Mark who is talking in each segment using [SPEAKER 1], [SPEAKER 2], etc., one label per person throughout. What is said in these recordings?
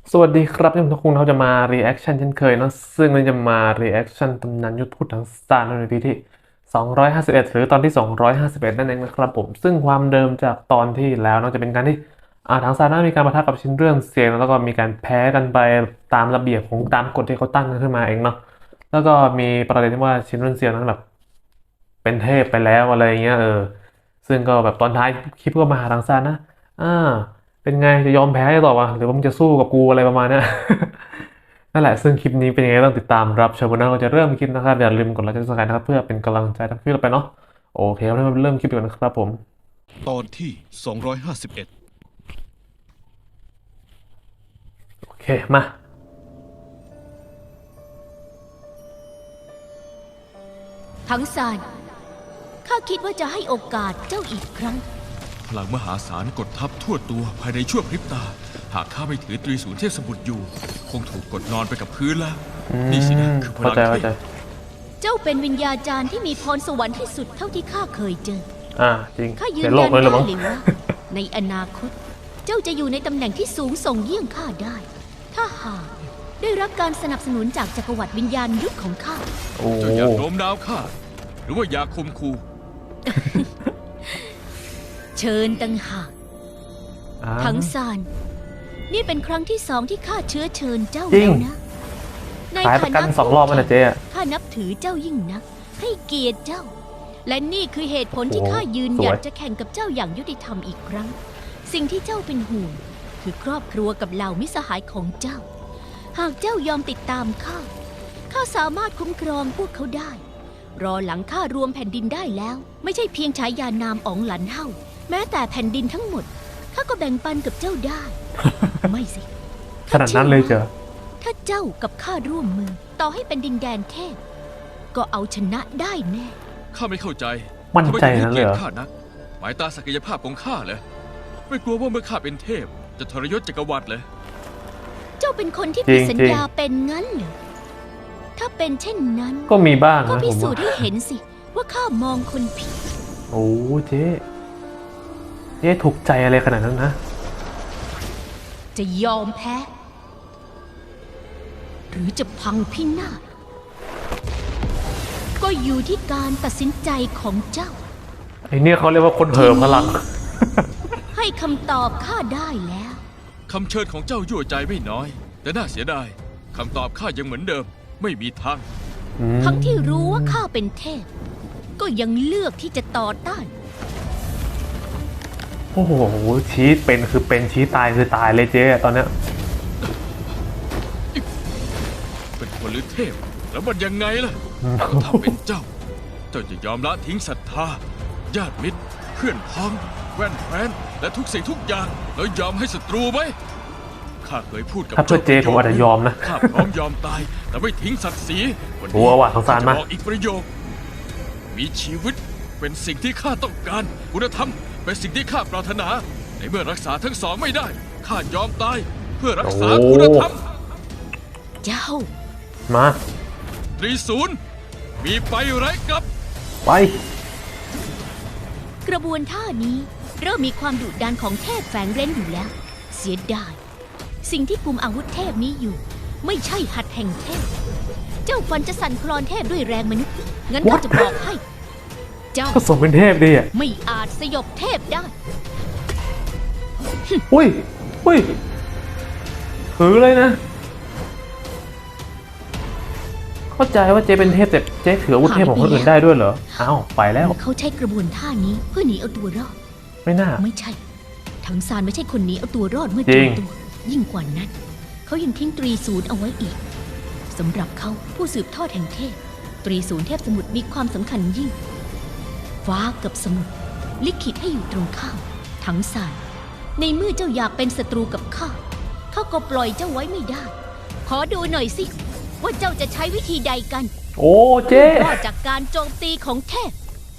[SPEAKER 1] สวัสดีครับที่ทุกคนเขาจะมา reaction เช่นเคยเนอะซึ่งเราจะมา reaction ตำนานยุทธพุทธทั้งสตาร์ใน EP ที่251หรือตอนที่251นั่นเองนะครับผมซึ่งความเดิมจากตอนที่แล้วเนอะจะเป็นการที่ทางซาน่ามีการปะทะกับชินเรื่องเสียงแล้วก็มีการแพ้กันไปตามระเบียบของตามกฎที่เขาตั้งขึ้นมาเองเนาะแล้วก็มีประเด็นที่ว่าชินเรื่องเสียงนั้นแบบเป็นเทพไปแล้วอะไรเงี้ยซึ่งก็แบบตอนท้ายคลิปก็มาหาทางซาน่าอ่า เป็นไงจะยอมแพ้ต่อวะหรือว่ามึงจะสู้กับกูอะไรประมาณเนี้ย นั่นแหละซึ่งคลิปนี้เป็นยังไงต้องติดตามรับชมนะเราจะเริ่มคลิปนะครับอย่าลืมกดไลค์กดซับสไครต์นะครับเพื่อเป็นกำลังใจทำคลิปต่อไปเนาะโอเคเราเริ่มคลิปกันนะครับผม
[SPEAKER 2] ตอนที่251
[SPEAKER 1] โอเคมา
[SPEAKER 3] ทั้งซานข้าคิดว่าจะให้โอกาสเจ้าอีกครั้ง
[SPEAKER 2] พลังมหาศาลกดทับทั่วตัวภายในชั่วพริบตา หากข้าไม่ถือตรีศูนย์เทพสมุทรอยู่ คงถูกกดนอนไปกับพื้นแล้ว นี่สินะคือพ
[SPEAKER 1] เข้า
[SPEAKER 2] ลัง
[SPEAKER 1] ใจ
[SPEAKER 2] เท
[SPEAKER 1] เข้าใจ
[SPEAKER 2] พ
[SPEAKER 3] เจ้าเป็นวิญญาจารย์ที่มีพรสวรรค์ที่สุดเท่าที่ข้าเคยเจอ
[SPEAKER 1] จริง
[SPEAKER 3] ข้ายื
[SPEAKER 1] เดี๋
[SPEAKER 3] น
[SPEAKER 1] ยวโล
[SPEAKER 3] ยั
[SPEAKER 1] ก
[SPEAKER 3] น
[SPEAKER 1] เลย
[SPEAKER 3] ได้
[SPEAKER 1] เหรือมั้ง
[SPEAKER 3] เลยว่า ในอนาคต เจ้าจะอยู่ในตำแหน่งที่สูงส่งเยี่ยงข้าได้ ถ้าหากได้รับการสนับสนุนจากจักรวรรดิวิญญาณยุทธของข้า
[SPEAKER 1] โอ้
[SPEAKER 2] เจ้าอยากโน้มน้าวข้า หรือว่าอยากคมคู
[SPEAKER 3] เชิญตังหาก ทั้งซานนี่เป็นครั้งที่2ที่ข้าเชื้อเชิญเจ้าแล้วนะใน
[SPEAKER 1] ขายประกัน2 รอบมันนะเจ๊
[SPEAKER 3] ข้านับถือเจ้ายิ่งนัก ให้เกียรติเจ้า และนี่คือเหตุผลที่
[SPEAKER 1] โอ้
[SPEAKER 3] ข้ายืนหยัด
[SPEAKER 1] สวย
[SPEAKER 3] จะแข่งกับเจ้าอย่างยุติธรรมอีกครั้ง สิ่งที่เจ้าเป็นห่วงคือครอบครัวกับเหล่ามิตรสหายของเจ้า หากเจ้ายอมติดตามข้าสามารถคุ้มครองพวกเขาได้ รอหลังข้ารวมแผ่นดินได้แล้ว ไม่ใช่เพียงฉายานามอ๋องหลันเฮ่าแม้แต่แผ่นดินทั้งหมดข้าก็แบ่งปันกับเจ้าได้ ไม่สิ
[SPEAKER 1] ขนาดนั้นเลยเจอ
[SPEAKER 3] ถ้าเจ้ากับข้าร่วมมือ ต่อให้เป็นดินแดนเทพก็เอาชนะได้แน่
[SPEAKER 2] ข้าไม่เข้าใจ
[SPEAKER 1] มั่นใจ
[SPEAKER 2] ทำไมถึงให้
[SPEAKER 1] นั้นเลย
[SPEAKER 2] เกีย
[SPEAKER 1] เห
[SPEAKER 2] ร
[SPEAKER 1] รอ
[SPEAKER 2] ติข้านัก หมายตาศักยภาพของข้าเหรอไม่กลัวว่าเมื่อข้าเป็นเทพ จะทรยศจักรวรรดิเลย
[SPEAKER 3] เจ้าเป็นคนที่
[SPEAKER 1] จริ
[SPEAKER 3] ผิด
[SPEAKER 1] ง
[SPEAKER 3] สัญ
[SPEAKER 1] จริง
[SPEAKER 3] ญาเป็นงั้นเหรอถ้าเป็นเช่นนั้น
[SPEAKER 1] ก็มีบ้าง
[SPEAKER 3] ก็
[SPEAKER 1] นะ
[SPEAKER 3] พิ
[SPEAKER 1] ผม
[SPEAKER 3] สู
[SPEAKER 1] ว่า
[SPEAKER 3] จน์ให้เห็นสิ ว่าข้ามองคนผิด
[SPEAKER 1] โอ้เจ๊ถูกใจอะไรขนาดนั้นนะ
[SPEAKER 3] จะยอมแพ้ หรือจะพังพินาศก็อยู่ที่การตัดสินใจของเจ้า
[SPEAKER 1] ไอเนี่ยเขาเรียกว่าคนเหิมพลัง
[SPEAKER 3] ให้คำตอบข้าได้แล้ว
[SPEAKER 2] คำเชิญของเจ้ายั่วใจไม่น้อย แต่น่าเสียดายคำตอบข้ายังเหมือนเดิม ไม่มีทาง
[SPEAKER 3] ทั้งที่รู้ว่าข้าเป็นเทพ ก็ยังเลือกที่จะต่อต้าน
[SPEAKER 1] โอ้โหชี้เป็นคือเป็นชี้ตายคือตายเลยเจ๊ตอนเนี้ย
[SPEAKER 2] เป็นคนหรือเทพ แล้วมันยังไงล่ะก็ถ้าเป็นเจ้า เจ้าจะยอมละทิ้งศรัทธา ญาติมิตร เพื่อนพ้อง แว่นแคว้นและทุกสิ่งทุกอย่าง แล้วยอมให้ศัตรูไหมข้าเคยพูดกับ
[SPEAKER 1] ถ้าเพื่อเจ๊ผมอาจจะยอมนะ
[SPEAKER 2] ข้าพร้อมยอมตาย แต่ไม่ทิ้งศักดิ์ศรีวัน
[SPEAKER 1] โอ้
[SPEAKER 2] นี้
[SPEAKER 1] ว่ะสงสารมาก
[SPEAKER 2] จะบอกอีกประโยค มีชีวิตเป็นสิ่งที่ข้าต้องการคุณธรรมเป็นสิ่งที่ข้าปรารถนา ในเมื่อรักษาทั้งสองไม่ได้ข้ายอมตาย เพื่อรักษาคุณธรรม
[SPEAKER 3] เจ้า
[SPEAKER 1] มา
[SPEAKER 2] ตรีศูนย์มีไปไรกลับ
[SPEAKER 1] ไป
[SPEAKER 3] กระบวนท่านี้เริ่มมีความดุดันของเทพแฝงเร้นอยู่แล้ว เสียดาย สิ่งที่กุมอาวุธเทพนี้อยู่ ไม่ใช่หัตถ์แห่งเทพ เจ้าฟันจะสั่นคลอนเทพด้วยแรงมนุษย์ งั้นก็
[SPEAKER 1] What?
[SPEAKER 3] จะบอกให้ เจ้า
[SPEAKER 1] ก็สมเป็นเทพดีอ่ะ
[SPEAKER 3] ไม่อาจสยบเทพได้
[SPEAKER 1] อุ้ยอุ้ยถือเลยนะ เข้าใจว่าเจ๊เป็นเทพแต่เจ๊ถืออาวุธเทพของคนอื่นได้ด้วยเหรอ อ้าว ไปแล้ว
[SPEAKER 3] เขาใช้กระบวนท่านี้เพื่อหนีเอาตัวรอด
[SPEAKER 1] ไม่น่า
[SPEAKER 3] ไม่ใช่ ทั้งซานไม่ใช่คนหนีเอาตัวรอดเมื่อ
[SPEAKER 1] จ
[SPEAKER 3] เจ
[SPEAKER 1] ริ
[SPEAKER 3] อง ตัว ยิ่งกว่านั้น เขายังทิ้งตรีศูนย์เอาไว้อีกสำหรับเขาผู้สืบทอดแห่งเทพ ตรีศูนย์เทพสมุทรมีความสำคัญยิ่ง ฟ้ากับสมุทรลิขิตให้อยู่ตรงข้ามทั้งซานในเมื่อเจ้าอยากเป็นศัตรูกับข้าเขาก็ปล่อยเจ้าไว้ไม่ได้ ขอดูหน่อยสิว่าเจ้าจะใช้วิธีใดกัน
[SPEAKER 1] โอ้เจ๊
[SPEAKER 3] รอดจากการโจมตีของเทพ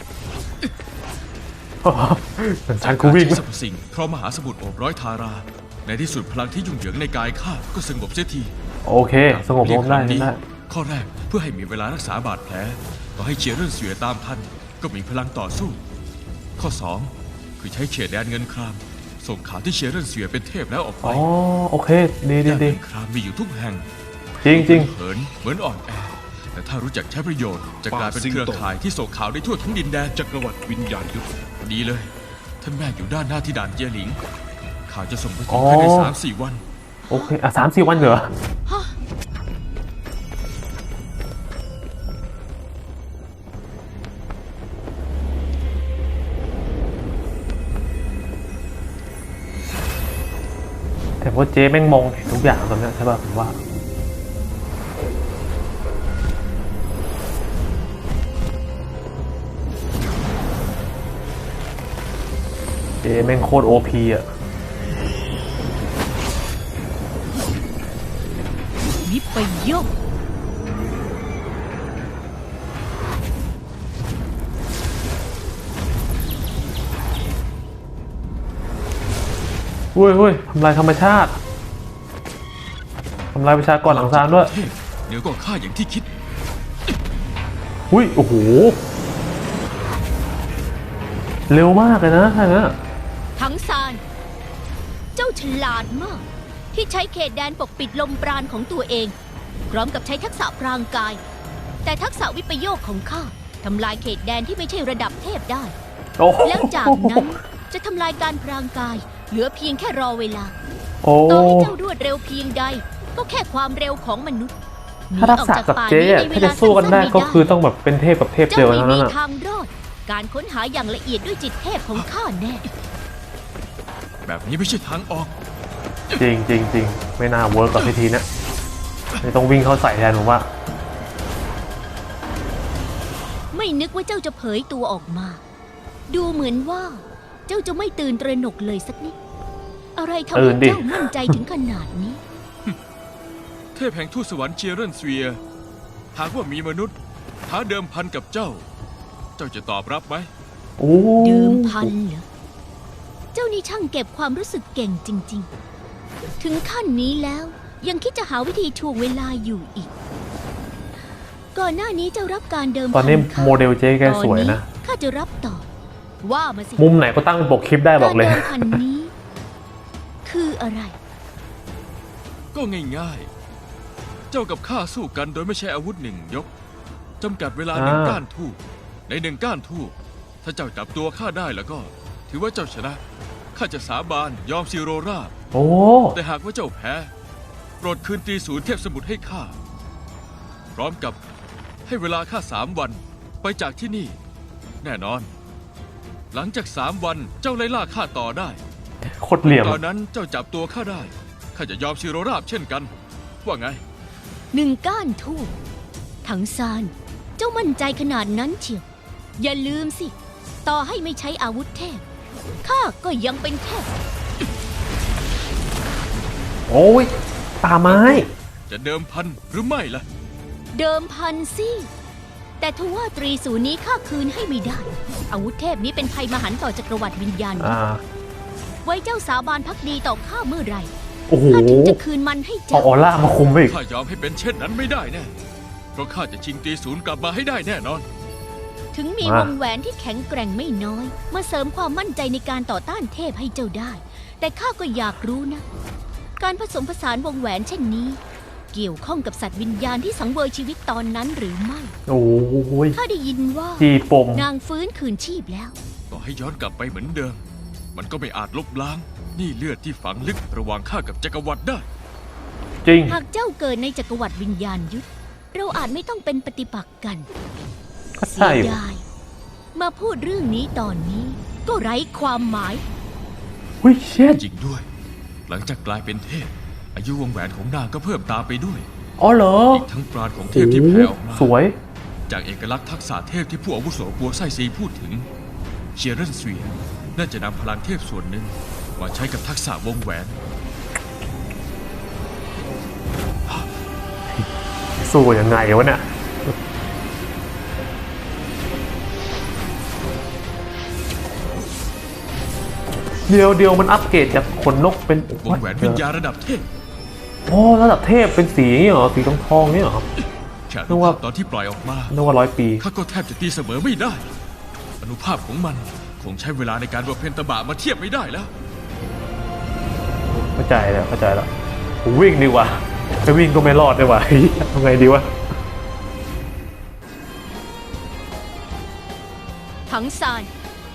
[SPEAKER 1] ฉันกูวิ่ง
[SPEAKER 2] ใช้สรรพสิ่งเพราะมหาสมุทรโอบร้อยทารา ในที่สุดพลังที่ยุ่งเหยิงในกายข้าก็สงบเสียที
[SPEAKER 1] โอเค สงบลงได้
[SPEAKER 2] เพียงครั้งนี้
[SPEAKER 1] ได้
[SPEAKER 2] ข้อแรกเพื่อให้มีเวลารักษาบาดแผลต่อให้เชียร์เรื่องเสือตามทันก็มีพลังต่อสู้ ข้อ 2 คือใช้เขตแดนเงินคราม โซส่งข่าวที่เชียร์เรนเสียเป็นเทพแล้วออกไป
[SPEAKER 1] อ๋อโอเคดีดี
[SPEAKER 2] ย่าน
[SPEAKER 1] ดี
[SPEAKER 2] เมืองครามมีอยู่ทุกแห่ง
[SPEAKER 1] จริงจริง
[SPEAKER 2] เหินเหมือนอ่อนแอ แต่ถ้ารู้จักใช้ประโยชน์จะกลายเป็นเครือข่ายที่ส่งข่าวได้ทั่วทั้งดินแดน
[SPEAKER 4] จักรวรรดิวิญญาณยุทธ
[SPEAKER 2] ดีเลย ท่านแม่อยู่ด้านหน้าที่ด่านเจียหลิง ข่าวจะส่งไปถึงภายใน3-4 วัน
[SPEAKER 1] โอเคอ่ะ3-4 วันเหรอแต่ว่าเจ๊แม่งมองเห็นทุกอย่างตอนนี้ใช่ป่ะผมว่าเจ๊แม่งโคตรโอพีอ่ะ
[SPEAKER 3] วิปโยค
[SPEAKER 1] เฮ้ยทำลายธรรมชาติ ทำลายประชากรหลังซานด้วย
[SPEAKER 2] เทพเหนือกว่าข้าอย่างที่คิด
[SPEAKER 1] อุ้ย โอ้โห เร็วมากเลยนะท่านนะ
[SPEAKER 3] ทั้งซาน เจ้าฉลาดมาก ที่ใช้เขตแดนปกปิดลมปราณของตัวเอง พร้อมกับใช้ทักษะพรางกาย แต่ทักษะวิปโยคของข้าทำลายเขตแดนที่ไม่ใช่ระดับเทพได้
[SPEAKER 1] โอ้โห
[SPEAKER 3] แล้วจากนั้นจะทำลายการพรางกาย เหลือเพียงแค่รอเวลา
[SPEAKER 1] โอ้
[SPEAKER 3] ต่อให้เจ้ารวดเร็วเพียงใด ก็แค่ความเร็วของมนุษย์หนี
[SPEAKER 1] ถ้าทัก
[SPEAKER 3] ออก
[SPEAKER 1] ษะ
[SPEAKER 3] จาก
[SPEAKER 1] กับ
[SPEAKER 3] ป่า
[SPEAKER 1] เจ๊
[SPEAKER 3] นี้
[SPEAKER 1] อะ
[SPEAKER 3] ในเว
[SPEAKER 1] ถ้า
[SPEAKER 3] ลา
[SPEAKER 1] จะสู้กันได้
[SPEAKER 3] สั้ๆ
[SPEAKER 1] ก็
[SPEAKER 3] ไม่
[SPEAKER 1] คือต้องแบบเป็นเทพกับเทพ
[SPEAKER 3] เจ้า
[SPEAKER 1] เดียว
[SPEAKER 3] ไม่
[SPEAKER 1] เท่า
[SPEAKER 3] มี
[SPEAKER 1] นั้นอ่ะ
[SPEAKER 3] ทางรอด การค้นหาอย่างละเอียดด้วยจิตเทพของข้าแน่
[SPEAKER 2] แบบนี้ไม่ใช่ทางออก
[SPEAKER 1] จริงจริงจริงไม่น่าเวิร์กกับพิธีเนี้ยไม่ต้องวิ่งเข้าใส่แทนผมว่า
[SPEAKER 3] ไม่นึกว่าเจ้าจะเผยตัวออกมา ดูเหมือนว่า เจ้าจะไม่ตื่นตระหนกเลยสักนิด อะไรทำ
[SPEAKER 1] ตื่
[SPEAKER 3] ให้
[SPEAKER 1] นดิ
[SPEAKER 3] เจ้ามั่นใจถึงขนาดนี้
[SPEAKER 2] เทพแห่งทูตสวรรค์เชียร์เรนเซีย หากว่ามีมนุษย์ท้าเดิมพันกับเจ้า เจ้าจะตอบรับไหม
[SPEAKER 1] โอ้
[SPEAKER 3] ดื่มพันเหรอ เจ้านี่ช่างเก็บความรู้สึกเก่งจริง ๆ ถึงขั้นนี้แล้วยังคิดจะหาวิธีถ่วงเวลาอยู่อีก ก่อนหน้านี้เจ้ารับการเดิม
[SPEAKER 1] ตอนนี้
[SPEAKER 3] ข้า
[SPEAKER 1] โมเดลเจ๊แกสวยนะ
[SPEAKER 3] ข้าจะรับต่อ ว่ามาสิ
[SPEAKER 1] มุมไหนก็ตั้งเป็นปกคลิปได้บอกเลย
[SPEAKER 3] การเดิมพันนี้ คืออะไร
[SPEAKER 2] ก็ง่ายๆ เจ้ากับข้าสู้กันโดยไม่ใช้อาวุธหนึ่งยก จำกัดเวลาหนึ่ง
[SPEAKER 1] อ่า
[SPEAKER 2] ก้านทูบในหนึ่งก้านทูบถ้าเจ้าจับตัวข้าได้แล้วก็ ถือว่าเจ้าชนะ ข้าจะสาบานยอมซิโรราบ
[SPEAKER 1] โอ้
[SPEAKER 2] แต่หากว่าเจ้าแพ้โปรดคืนตรีศูนย์เทพสมุทรให้ข้า พร้อมกับให้เวลาข้า3 วันไปจากที่นี่ แน่นอน หลังจาก3 วันเจ้าไล่ล่าข้าต่อได้
[SPEAKER 1] โคตรเหลี่ยม
[SPEAKER 2] ตอนนั้นเจ้าจับตัวข้าได้ ข้าจะยอมซิโรราบเช่นกัน ว่าไง
[SPEAKER 3] หนึ่งก้านทูบถังซาน เจ้ามั่นใจขนาดนั้นเชียว อย่าลืมสิ ต่อให้ไม่ใช้อาวุธเทพ ข้าก็ยังเป็นเทพ
[SPEAKER 1] โอ้ยตาไม้
[SPEAKER 2] จะเดิมพันหรือไม่ล่ะ
[SPEAKER 3] เดิมพันสิ แต่ทว่าตรีศูนย์นี้ข้าคืนให้ไม่ได้ อาวุธเทพนี้เป็นภัยมหันต์ต่อจักรวรรดิวิญญาณ ไว้เจ้าสาบานพักดีต่อข้าเมื่อไหร่
[SPEAKER 1] โอ้โห
[SPEAKER 3] ข้าถึงจะคืนมันให้
[SPEAKER 1] เอา
[SPEAKER 3] เจ้า
[SPEAKER 1] ออร่ามาคุมไปอีก
[SPEAKER 2] ข้ายอมให้เป็นเช่นนั้นไม่ได้แน่ เพราะข้าจะชิงตรีศูนย์กลับมาให้ได้แน่นอน
[SPEAKER 3] ถึงมี
[SPEAKER 1] มา
[SPEAKER 3] วงแหวนที่แข็งแกร่งไม่น้อย มาเสริมความมั่นใจในการต่อต้านเทพให้เจ้าได้ แต่ข้าก็อยากรู้นะ การผสมผสานวงแหวนเช่นนี้ เกี่ยวข้องกับสัตว์วิญญาณที่สังเวยชีวิตตอนนั้นหรือไม่
[SPEAKER 1] โอ้ย
[SPEAKER 3] ข้าได้ยินว่า
[SPEAKER 1] จีปม
[SPEAKER 3] นางฟื้นคืนชีพแล้ว
[SPEAKER 2] ต่อให้ย้อนกลับไปเหมือนเดิม มันก็ไม่อาจลบล้างหนี่เลือดที่ฝังลึกระหว่างข้ากับจักรวรรดิได้
[SPEAKER 1] จริง
[SPEAKER 3] หากเจ้าเกิดในจักรวรรดิวิญญาณยุทธเราอาจไม่ต้องเป็นปฏิปักษ์กัน
[SPEAKER 1] ก็
[SPEAKER 3] เสี
[SPEAKER 1] ใช่
[SPEAKER 3] ย
[SPEAKER 1] อยู่
[SPEAKER 3] ดายมาพูดเรื่องนี้ตอนนี้ ก็ไร้ความหมาย
[SPEAKER 1] เฮ้ยเช็ด
[SPEAKER 2] จริงด้วย หลังจากกลายเป็นเทพ อายุวงแหวนของนางก็เพิ่มตามไปด้วย
[SPEAKER 1] อ๋อเหรอ
[SPEAKER 2] อีกทั้งปราณของเท
[SPEAKER 1] โอ้
[SPEAKER 2] พ
[SPEAKER 1] โห
[SPEAKER 2] ที่แผ่ออกมา
[SPEAKER 1] สวย
[SPEAKER 2] จากเอกลักษณ์ทักษะเทพที่ผู้อาวุโสปัวไส้ซีพูดถึง เชียร์เรนเซียน่าจะนำพลังเทพส่วนหนึ่งมาใช้กับทักษะวงแหวน
[SPEAKER 1] สู้ยังไงวะเนี่ย เดียวมันอัปเกรดจากขนนกเป็น
[SPEAKER 2] วงแหวนวิญญาณระดับเทพ
[SPEAKER 1] โอ้ระดับเทพเป็นสีนี่เหรอ สีทองๆนี่เหรอครับ
[SPEAKER 2] แค่อ
[SPEAKER 1] นึ
[SPEAKER 2] นุ
[SPEAKER 1] กว่า
[SPEAKER 2] ภาพตอนที่ปล่อยออกมา
[SPEAKER 1] นึกว่า100 ปี
[SPEAKER 2] ข้าก็แทบจะตีเสมอไม่ได้ อนุภาพของมันคงใช้เวลาในการบำเพ็ญตบะมาเทียบไม่ได้แล้ว
[SPEAKER 1] เข้าใจแล้วเข้าใจแล้วผมวิ่งดีกว่าจะวิ่งก็ไม่รอดดีกว่า ทำไงดีวะ
[SPEAKER 3] ถังซาน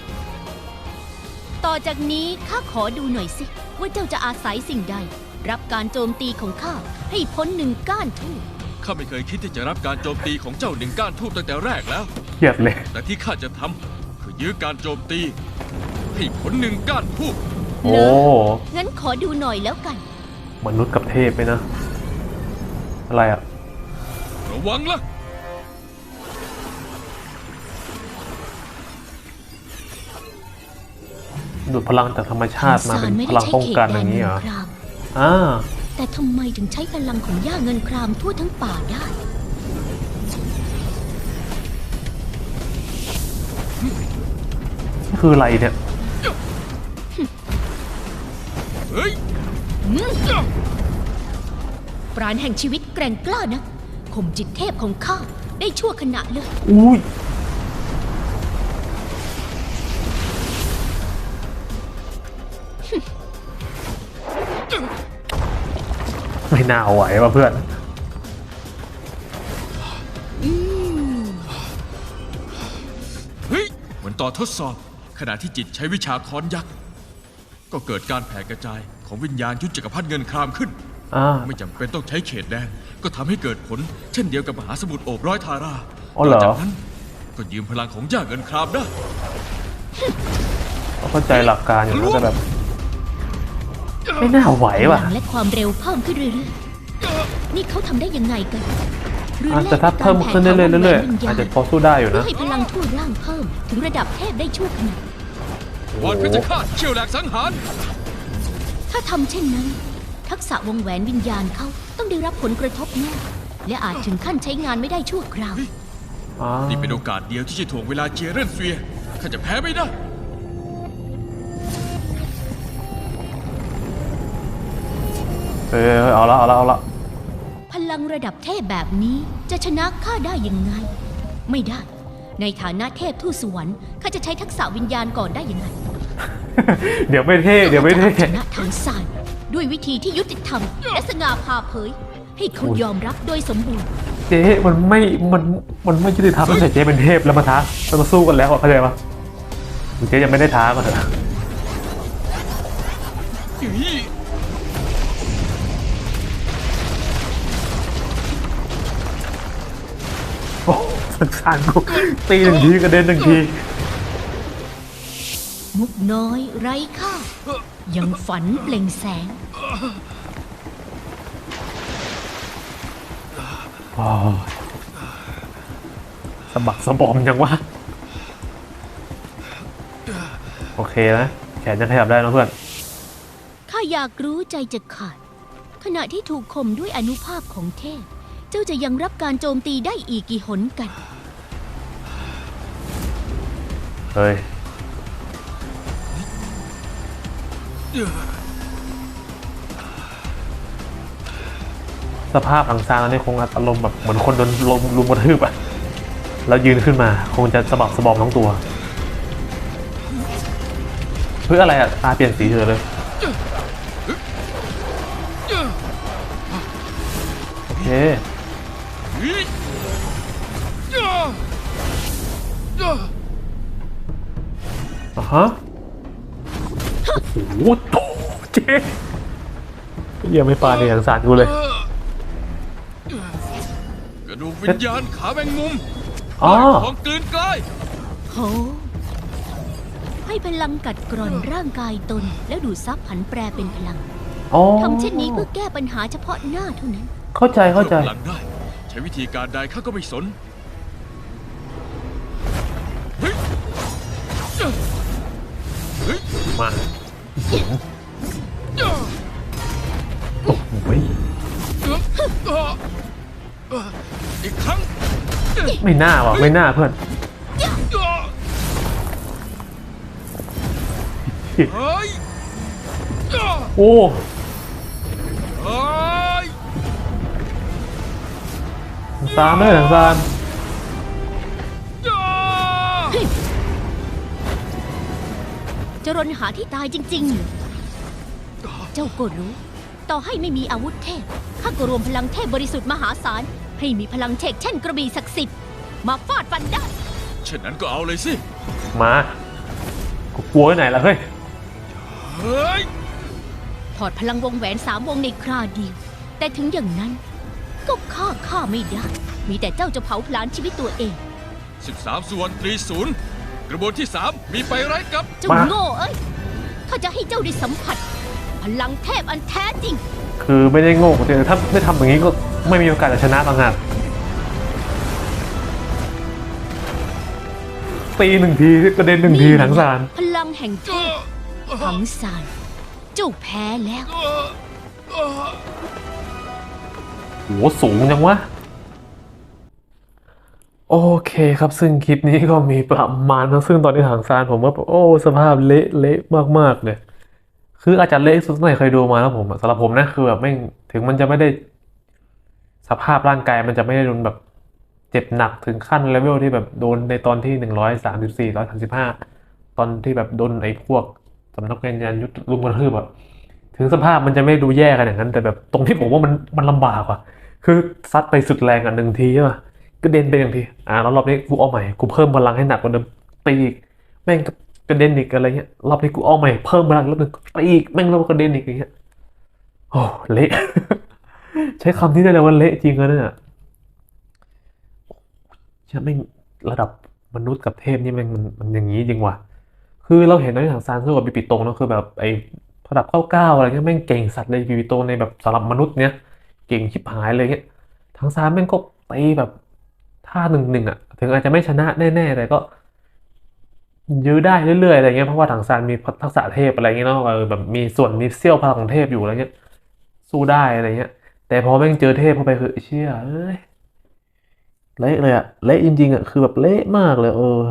[SPEAKER 3] ต่อจากนี้ข้าขอดูหน่อยสิว่าเจ้าจะอาศัยสิ่งใด รับการโจมตีของข้าให้พ้นหนึ่งก้านทูบ
[SPEAKER 2] ข้าไม่เคยคิดที่จะรับการโจมตีของเจ้าหนึ่งก้านทูบตั้งแต่แรกแล้ว
[SPEAKER 1] เครียดเลย
[SPEAKER 2] แต่ที่ข้าจะทำคือยื้อการโจมตีให้ผลหนึ่งก้านทูบ
[SPEAKER 1] โอ้
[SPEAKER 3] งั้นขอดูหน่อยแล้วกัน
[SPEAKER 1] มนุษย์กับเทพไหมนะ อะไรอ่ะ
[SPEAKER 2] ระวังละ
[SPEAKER 1] ดูดพลังจากธรรมชาติมาเป็นพลังป้องกันอย่างนี้เหรอ
[SPEAKER 3] คราม
[SPEAKER 1] อ่า
[SPEAKER 3] แต่ทำไมถึงใช้พลังของย่าเงินครามทั่วทั้งป่าได้
[SPEAKER 1] นี่คืออะไรเนี่ย
[SPEAKER 2] เฮ้ย
[SPEAKER 3] ปราณแห่งชีวิตแกร่งกล้านะข่มจิตเทพของข้าได้ชั่วขณะเลย
[SPEAKER 1] อุ้ย ไม่น่าเอาไหวว่ะเพื่อน
[SPEAKER 2] เฮ้ยเหมือนตอนทดสอบขณะที่จิตใช้วิชาค้อนยักษ์ก็เกิดการแผ่กระจายของวิญญาณยุทธจักรพรรดิเงินครามขึ้น
[SPEAKER 1] อ่า
[SPEAKER 2] ไม่จำเป็นต้องใช้เขตแดนก็ทำให้เกิดผล เช่นเดียวกับมหาสมุทรโอบร้อยทารา
[SPEAKER 1] อ๋อเหรอ
[SPEAKER 2] จากนั้นก็ยืมพลังของย่าเงินครามได้
[SPEAKER 1] เข้าใจหลักการอยู่นะแต่แบบ ไม่น่าไหวว่ะ
[SPEAKER 3] พลังและความเร็วเพิ่มขึ้นเรื่อยๆ นี่เขาทำได้ยังไงกันหรือ
[SPEAKER 1] อาจจะถ้าเพิ่มขึ้นเรื่อยๆเรื่อย
[SPEAKER 3] วิญ
[SPEAKER 1] ๆ
[SPEAKER 3] ญ
[SPEAKER 1] อาจจะพอสู้ได้อยู่
[SPEAKER 3] เพื่อ
[SPEAKER 1] นะ
[SPEAKER 3] ให้พลังทั่วร่างเพิ่มถึงระดับเทพได้ชั่วขณะ
[SPEAKER 2] วอนเพชรฆาตเชี่ยวแหลกสังหาร
[SPEAKER 3] ถ้าทำเช่นนั้น ทักษะวงแหวนวิญญาณเขาต้องได้รับผลกระทบแน่และอาจถึงขั้นใช้งานไม่ได้ชั่วคราว
[SPEAKER 1] อ่า
[SPEAKER 2] นี่เป็นโอกาสเดียวที่จะถ่วงเวลาเจียเรนเฟียข้าจะแพ้ไม่ได้
[SPEAKER 1] เอาละเอาละเอาละ
[SPEAKER 3] พลังระดับเทพแบบนี้จะชนะข้าได้ยังไง ไม่ได้ ในฐานะเทพทูตสวรรค์ข้าจะใช้ทักษะวิญญาณก่อนได้ยังไง
[SPEAKER 1] เดี๋ยวไม่เท่เดี๋ยวไม่เท่
[SPEAKER 3] ข้าจะเอาชนะทางสารด้วยวิธีที่ยุติธรรมและสง่าผ่าเผย ให้เขายอมรับโดยสมบูรณ์
[SPEAKER 1] เจ๊มันไม่ยุติธรรมตั้งแต่เจ๊เป็นเทพแล้วมาท้าแล้วมาสู้กันแล้วอะเข้าใจปะเจ๊ยังไม่ได้ท้ามาเถอะ โอ้สงสารกูตีหนึ่งทีกระเด็นหนึ่งที
[SPEAKER 3] มุกน้อยไร้ค่า ยังฝันเปล่งแสง
[SPEAKER 1] ว้าวสะบักสะบอมยังวะโอเคนะแขนจะขยับได้นะเพื่อน
[SPEAKER 3] ข้าอยากรู้ใจจะขาด ขณะที่ถูกข่มด้วยอนุภาพของเทพ เจ้าจะยังรับการโจมตีได้อีกกี่หนกัน
[SPEAKER 1] เฮ้ยสภาพอังซางนี่คงอารมณ์แบบเหมือนคนโดนลมรุมกระทืบอะแล้วยืนขึ้นมาคงจะสะบักสะบอมทั้งตัวเพื่ออะไรอะตาเปลี่ยนสีเฉยเลยโอเคอ่ะฮะโอ้โหเจ๊ยังไม่ปาในอย่างสารกูเลย
[SPEAKER 2] กระดูกวิญญาณขาแมงมุม
[SPEAKER 1] อ๋อ
[SPEAKER 2] ของกลืนกลาย
[SPEAKER 3] โห ให้พลังกัดกร่อนร่างกายตน แล้วดูดซับผันแปรเป็นพลัง
[SPEAKER 1] อ๋อ
[SPEAKER 3] ทำเช่นนี้เพื่อแก้ปัญหาเฉพาะหน้าเท่านั้น
[SPEAKER 1] เข้าใจเข้าใจ
[SPEAKER 2] หลังได้ ใช้วิธีการใดข้าก็ไม่สนเฮ้ยเฮ้ย
[SPEAKER 1] มาเสียงโอ้โห
[SPEAKER 2] อีกครั้ง
[SPEAKER 1] ไม่น่าว่ะไม่น่าเพื่อน
[SPEAKER 2] เฮ้ย
[SPEAKER 1] โอ้
[SPEAKER 2] เฮ้ย
[SPEAKER 1] ซานเลยซาน
[SPEAKER 3] จะรนหาที่ตายจริงๆเหรอเจ้าก็รู้ ต่อให้ไม่มีอาวุธเทพข้าก็รวมพลังเทพบริสุทธิ์มหาศาลให้มีพลังเชกเช่นกระบี่ศักดิ์สิทธิ์มาฟาดฟันได้
[SPEAKER 2] เช่นนั้นก็เอาเลยสิ
[SPEAKER 1] มากูกลัวที่ไหนล่ะเฮ้ย
[SPEAKER 2] เฮ้ย
[SPEAKER 3] ถอดพลังวงแหวน3 วงในคราเดียว แต่ถึงอย่างนั้นก็ฆ่าไม่ได้ มีแต่เจ้าจะเผาผลาญชีวิตตัวเอง
[SPEAKER 2] 13 ส่วนตรีศูนย์กระบวนที่ 3 มีไปไร้กับ
[SPEAKER 3] เจ้า
[SPEAKER 1] มา
[SPEAKER 3] โง่เอ้ยข้าจะให้เจ้าได้สัมผัส พลังเทพอันแท้จริง
[SPEAKER 1] คือไม่ได้โง่แต่ถ้าไม่ทำอย่างนี้ก็ไม่มีโอกาสจะชนะต่างหากตีหนึ่งทีกระเด็นหนึ่งทีถังซาน
[SPEAKER 3] พลังแห่งเทพถังซานเจ้าแพ้แล้ว
[SPEAKER 1] โหสูงจังวะโอเคครับซึ่งคลิปนี้ก็มีประมาณนะซึ่งตอนนี้ถังซานผมก็โอ้สภาพเละมากๆเลยคืออาจจะเละสุดที่ไหนเคยดูมาแล้วผมอะสำหรับผมนะคือแบบไม่ถึงมันจะไม่ได้สภาพร่างกายมันจะไม่ได้โดนแบบเจ็บหนักถึงขั้นเลเวลที่แบบโดนในตอนที่134 135ตอนที่แบบโดนไอ้พวกสำนักงานยานยุทธลุมกระทืบอะถึงสภาพมันจะไม่ดูแย่ขนาดนั้นแต่แบบตรงที่ผมว่ามันลำบากว่ะคือซัดไปสุดแรงอ่ะ1 ทีใช่ป่ะกระเด็นไป1 ทีแล้วรอบนี้กูเอาใหม่กูเพิ่มพลังให้หนักกว่าเดิมตีอีกแม่งกระเด็นอีกอะไรเงี้ยรอบนี้กูเอาใหม่เพิ่มพลังแล้วนึงตีอีกแม่งแล้วกระเด็นอีกอย่างเงี้ยโอ้เละ ใช้คำนี้ได้เลยว่าเละจริงเลยเนี่ยใช่แม่งระดับมนุษย์กับเทพนี่แม่งมันอย่างนี้จริงว่ะคือเราเห็นในถังซานสู้กับบิปิโตงเนอะคือแบบไอ้ระดับ99อะไรเงี้ยแม่งเก่งสัตว์เลยบิปิโตงในแบบสำหรับมนุษย์เนี้ยเก่งชิบหายเลยเงี้ยถังซานแม่งก็ตีแบบท่า1-1อ่ะถึงอาจจะไม่ชนะแน่ๆแต่ก็ยื้อได้เรื่อยๆอะไรเงี้ยเพราะว่าถังซานมีทักษะเทพอะไรเงี้ยเนาะแบบมีส่วนมีเสี้ยวพลังของเทพอยู่อะไรเงี้ยสู้ได้อะไรเงี้ยแต่พอแม่งเจอเทพเข้าไปคือเชี่ยเอ้ยเละเลยอะเละจริงๆอะคือแบบเละมากเลย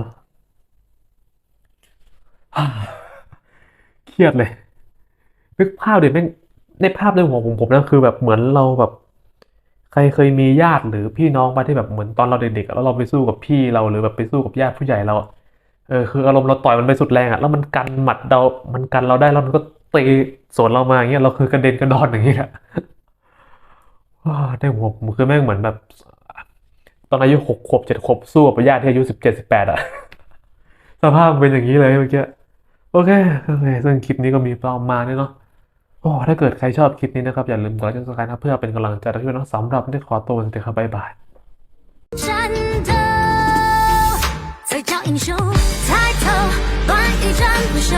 [SPEAKER 1] เครียดเลยนึกภาพเดี๋ยวแม่งในภาพในหัวผมนะคือแบบเหมือนเราแบบใครเคยมีญาติหรือพี่น้องมาที่แบบเหมือนตอนเราเด็กๆอะแล้วเราไปสู้กับพี่เราหรือแบบไปสู้กับญาติผู้ใหญ่เราอะคืออารมณ์เราต่อยมันไปสุดแรงอะแล้วมันกันหมัดเรามันกันเราได้แล้วมันก็ตีสวนเรามาอย่างเงี้ยเราคือกระเด็นกระดอนอย่างเงี้ยในหัวผมคือแม่งเหมือนแบบตอนอายุ6 ขวบ7 ขวบสู้กับญาติที่อายุ17 18อะสภาพเป็นอย่างนี้เลยเมื่อกี้โอเคซึ่งคลิปนี้ก็มีประมาณนี้เนาะ โอ้ถ้าเกิดใครชอบคลิปนี้นะครับอย่าลืมกดไลค์กดซับสไครต์นะเพื่อเป็นกำลังใจให้ด้วยนะสำหรับวันนี้ขอตัวกันเถอะครับบ๊ายบาย
[SPEAKER 4] 战斗，才叫英雄。抬头，乱一战不休。